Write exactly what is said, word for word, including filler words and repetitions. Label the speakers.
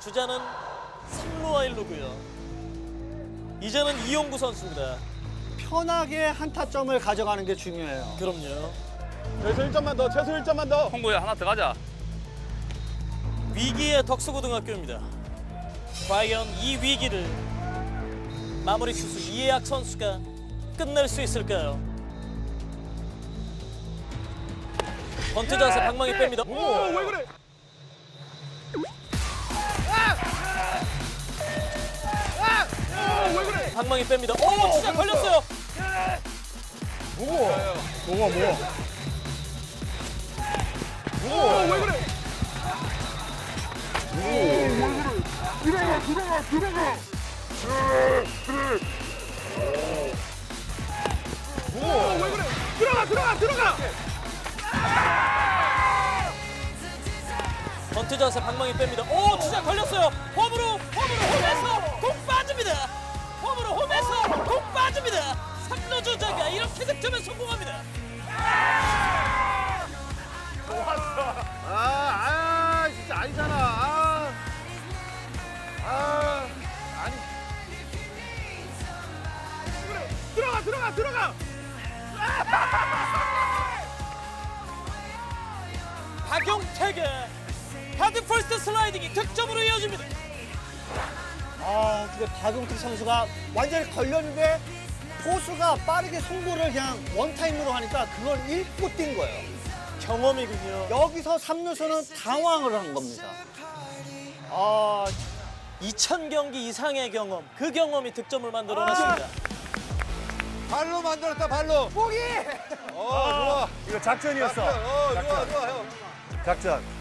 Speaker 1: 주자는 삼 루와 일 루고요. 이제는 이용구 선수입니다.
Speaker 2: 편하게 한 타점을 가져가는 게 중요해요.
Speaker 1: 그럼요.
Speaker 3: 최소 일 점만 더, 최소 일 점만 더.
Speaker 4: 홍구야 하나 더 가자.
Speaker 1: 위기의 덕수고등학교입니다. 과연 이 위기를 마무리 투수 이해학 선수가 끝낼 수 있을까요? 번트 자세 방망이 뺍니다.
Speaker 3: 오, 왜 그래? 오, 왜 그래?
Speaker 1: 방망이 뺍니다. 오, 진짜 걸렸어요.
Speaker 3: 뭐고? 뭐가 뭐가? 오, 왜 그래? 오, 왜 그래? 들어가, 들어가, 들어가. 오, 왜 그래? 들어가, 들어가, 들어가.
Speaker 1: 번트 자세 방망이 뺍니다. 오, 진짜 걸렸어요. 홈으로, 홈으로, 홈에서 공 빠집니다. 홈으로, 홈에서 공 빠집니다. 삼 루 주자가 이렇게 득점에 성공합니다.
Speaker 3: 아, 아, 진짜 아니잖아. 아, 아, 아니. 그래, 들어가, 들어가, 들어가.
Speaker 1: 박용택의 헤드 퍼스트 슬라이딩이 득점으로 이어집니다.
Speaker 2: 아, 근데 박용택 선수가 완전히 걸렸는데 포수가 빠르게 송구를 그냥 원타임으로 하니까 그걸 읽고 뛴 거예요.
Speaker 1: 경험이군요.
Speaker 2: 여기서 삼루수는 당황을 한 겁니다. 아,
Speaker 1: 이천 경기 이상의 경험, 그 경험이 득점을 만들어냈습니다.
Speaker 3: 발로 만들었다, 발로. 포기. 어, 좋아.
Speaker 5: 이거 작전이었어.
Speaker 3: 어, 좋아, 좋아, 형.
Speaker 5: 작전.